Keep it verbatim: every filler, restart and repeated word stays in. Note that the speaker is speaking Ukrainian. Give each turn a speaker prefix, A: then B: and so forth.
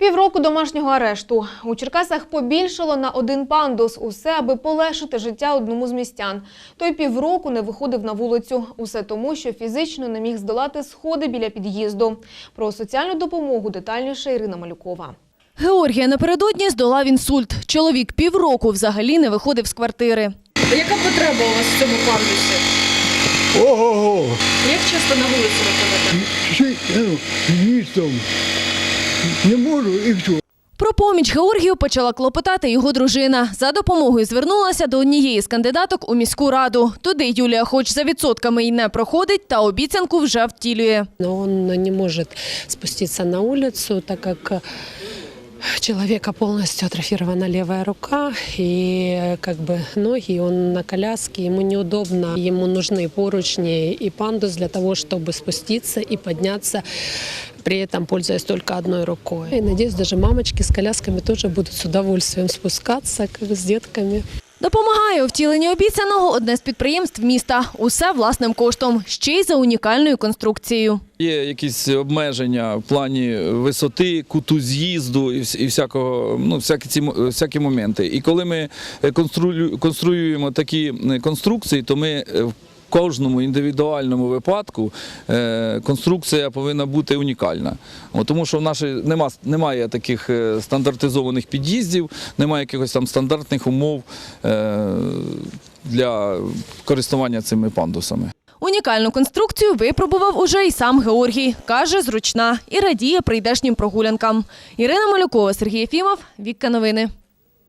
A: Півроку домашнього арешту. У Черкасах побільшало на один пандус. Усе, аби полегшити життя одному з містян. Той півроку не виходив на вулицю. Усе тому, що фізично не міг здолати сходи біля під'їзду. Про соціальну допомогу детальніше Ірина Малюкова.
B: Георгія напередодні здолав інсульт. Чоловік півроку взагалі не виходив з квартири.
C: Яка потреба у вас в цьому пандусі?
D: Ого-го!
C: Як часто на вулицю виходите?
D: Містом. Не можу і все.
B: Про поміч Георгію почала клопотати його дружина. За допомогою звернулася до однієї з кандидаток у міську раду. Туди Юлія хоч за відсотками й не проходить, та обіцянку вже втілює.
E: Но он не может спуститься на улицу, так как у человека полностью атрофирована левая рука и как бы ноги, он на коляске, ему неудобно, ему нужны поручни и пандус для того, чтобы спуститься и подняться, при этом пользуясь только одной рукой. И надеюсь, даже мамочки с колясками тоже будут с удовольствием спускаться, как с детками.
B: Допомагає у втіленні обіцяного одне з підприємств міста. Усе власним коштом, ще й за унікальною конструкцією.
F: Є якісь обмеження в плані висоти, куту з'їзду і всякого, ну, всякі ці всякі моменти. І коли ми конструюємо такі конструкції, то ми в кожному індивідуальному випадку конструкція повинна бути унікальна. Тому що в нашій нема, немає таких стандартизованих під'їздів, немає якихось там стандартних умов для користування цими пандусами.
B: Унікальну конструкцію випробував уже і сам Георгій. Каже, зручна і радіє прийдешнім прогулянкам. Ірина Малюкова, Сергій Єфімов, Вікка Новини.